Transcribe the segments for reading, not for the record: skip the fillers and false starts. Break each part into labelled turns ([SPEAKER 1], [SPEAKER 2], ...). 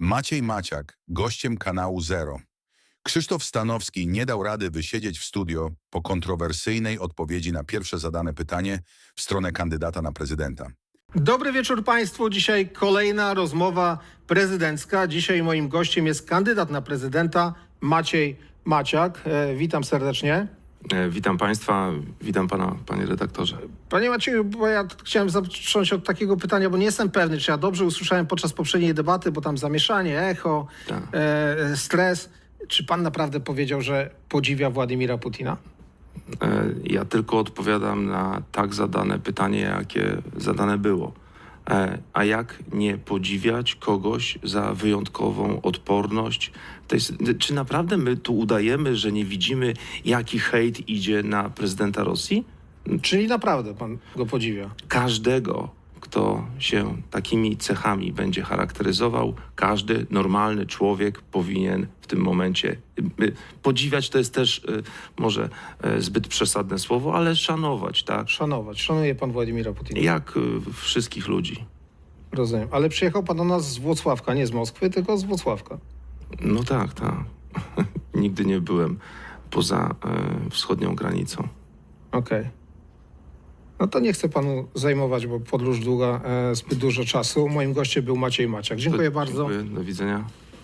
[SPEAKER 1] Maciej Maciak, gościem kanału Zero. Krzysztof Stanowski nie dał rady wysiedzieć w studio po kontrowersyjnej odpowiedzi na pierwsze zadane pytanie w stronę kandydata na prezydenta.
[SPEAKER 2] Dobry wieczór Państwu. Dzisiaj kolejna rozmowa prezydencka. Dzisiaj moim gościem jest kandydat na prezydenta Maciej Maciak. Witam serdecznie.
[SPEAKER 3] Witam Państwa, witam Pana, Panie redaktorze.
[SPEAKER 2] Panie Macieju, bo ja chciałem zacząć od takiego pytania, bo nie jestem pewny, czy ja dobrze usłyszałem podczas poprzedniej debaty, bo tam zamieszanie, echo,
[SPEAKER 3] Tak.
[SPEAKER 2] stres. Czy Pan naprawdę powiedział, że podziwia Władimira Putina?
[SPEAKER 3] Ja tylko odpowiadam na tak zadane pytanie, jakie zadane było. A jak nie podziwiać kogoś za wyjątkową odporność? Czy naprawdę my tu udajemy, że nie widzimy, jaki hejt idzie na prezydenta Rosji?
[SPEAKER 2] Czyli naprawdę Pan go podziwia?
[SPEAKER 3] Każdego, kto się takimi cechami będzie charakteryzował, każdy normalny człowiek powinien w tym momencie podziwiać, to jest też może zbyt przesadne słowo, ale szanować, tak?
[SPEAKER 2] Szanować. Szanuje Pan Władimira Putina?
[SPEAKER 3] Jak wszystkich ludzi.
[SPEAKER 2] Rozumiem. Ale przyjechał Pan do nas z Włocławka, nie z Moskwy, tylko z Włocławka.
[SPEAKER 3] No tak, tak. Nigdy nie byłem poza wschodnią granicą.
[SPEAKER 2] Okej. No to nie chcę Panu zajmować, bo podróż długa zbyt dużo czasu. Moim gościem był Maciej Maciak. Dziękuję bardzo.
[SPEAKER 3] Dziękuję, do widzenia.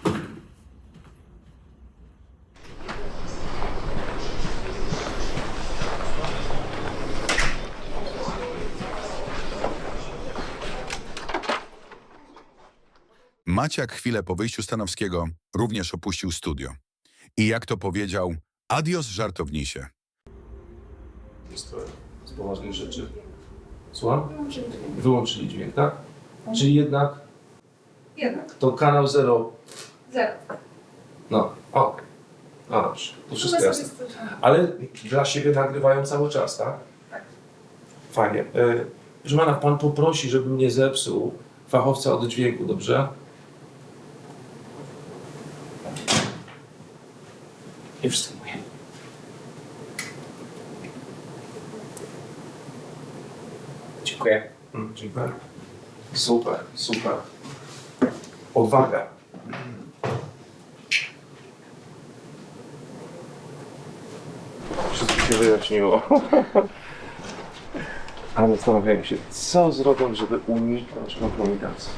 [SPEAKER 1] Maciak chwilę po wyjściu Stanowskiego również opuścił studio. I jak to powiedział, adios żartownisie.
[SPEAKER 4] Jest to z poważnych rzeczy. Słucham? Wyłączyli dźwięk, tak? Czyli jednak
[SPEAKER 5] Jednak.
[SPEAKER 4] to kanał Zero.
[SPEAKER 5] Zero.
[SPEAKER 4] No, okej. No dobrze, to wszystko
[SPEAKER 5] My
[SPEAKER 4] jasne.
[SPEAKER 5] sobie słyszamy.
[SPEAKER 4] Ale dla siebie nagrywają cały czas, tak?
[SPEAKER 5] Tak.
[SPEAKER 4] Fajnie. Proszę pana, pan poprosi, żebym nie zepsuł fachowca od dźwięku, dobrze? I wstrzymuję. Dziękuję. Dziękuję. Super, super. Odwaga. Wszystko się wyjaśniło. Ale zastanawiałem się, co zrobią, żeby uniknąć kompromitacji.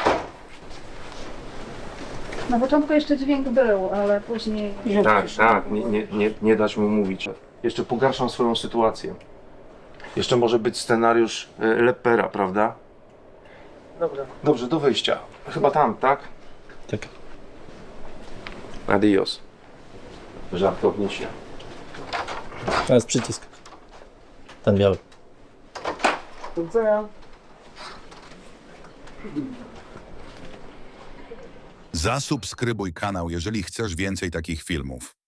[SPEAKER 5] Na początku jeszcze dźwięk był, ale później...
[SPEAKER 4] Tak, tak, nie dać mu mówić. Jeszcze pogarszam swoją sytuację. Jeszcze może być scenariusz Lepera, prawda?
[SPEAKER 2] Dobra.
[SPEAKER 4] Dobrze, do wyjścia. Chyba tam, tak?
[SPEAKER 6] Tak.
[SPEAKER 4] Adios. Żartownicie.
[SPEAKER 6] To jest przycisk. Ten biały.
[SPEAKER 2] Do widzenia.
[SPEAKER 1] Zasubskrybuj kanał, jeżeli chcesz więcej takich filmów.